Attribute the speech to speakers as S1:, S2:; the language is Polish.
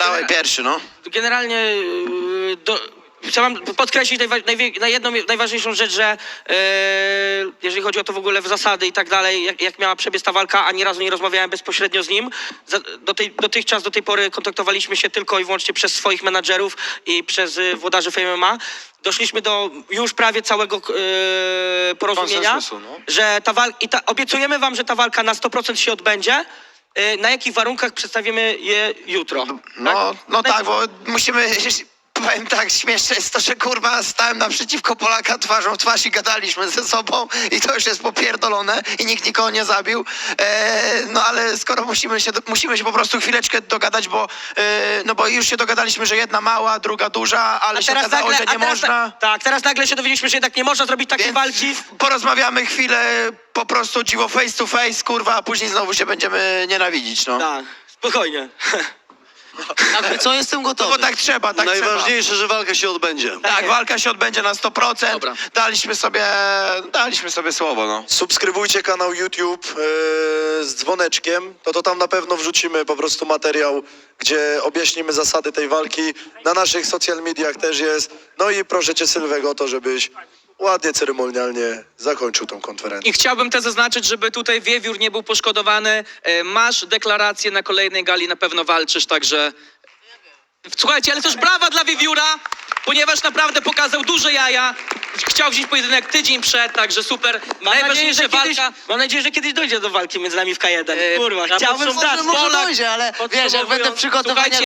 S1: Dawaj pierwszy, no.
S2: Generalnie chciałem podkreślić jedną najważniejszą rzecz, że jeżeli chodzi o to w ogóle w zasady i tak dalej, jak miała przebiec ta walka, ani razu nie rozmawiałem bezpośrednio z nim. Do tej pory kontaktowaliśmy się tylko i wyłącznie przez swoich menadżerów i przez włodarzy Fame MMA. Doszliśmy do już prawie całego porozumienia,
S1: no.
S2: że obiecujemy wam, że ta walka na 100% się odbędzie. Na jakich warunkach przedstawimy je jutro?
S1: No tak, bo musimy... Powiem tak, śmieszne jest to, że kurwa stałem naprzeciwko Polaka twarzą w twarz i gadaliśmy ze sobą i to już jest popierdolone i nikt nikogo nie zabił. No ale skoro musimy się po prostu chwileczkę dogadać, bo już się dogadaliśmy, że jedna mała, druga duża, ale się okazało, że nie można.
S2: Tak, teraz nagle się dowiedzieliśmy, że jednak nie można zrobić takiej walki.
S1: Porozmawiamy chwilę po prostu dziwo face to face, kurwa, a później znowu się będziemy nienawidzić, no.
S2: Tak, spokojnie.
S3: Jakby co, jestem gotowy.
S1: No bo tak trzeba, tak
S4: Najważniejsze, że walka się odbędzie.
S1: Tak, walka się odbędzie na 100%.
S3: Dobra.
S1: Daliśmy sobie słowo, no.
S4: Subskrybujcie kanał YouTube z dzwoneczkiem, to tam na pewno wrzucimy po prostu materiał, gdzie objaśnimy zasady tej walki. Na naszych social mediach też jest. No i proszę cię, Sylwego, o to, żebyś ładnie, ceremonialnie zakończył tą konferencję.
S5: I chciałbym też zaznaczyć, żeby tutaj Wiewiór nie był poszkodowany. Masz deklarację na kolejnej gali, na pewno walczysz, także... Słuchajcie, ale też brawa dla Wiewióra, ponieważ naprawdę pokazał duże jaja. Chciał wziąć pojedynek tydzień przed, także super. Najważniejsza walka...
S2: Mam nadzieję, że kiedyś dojdzie do walki między nami w K1. Kurwa,
S5: ja
S2: chciałbym
S5: podsumuję-
S2: stać.
S3: Może dojdzie, ale wiesz, jak będę przygotowany...
S5: Słuchajcie,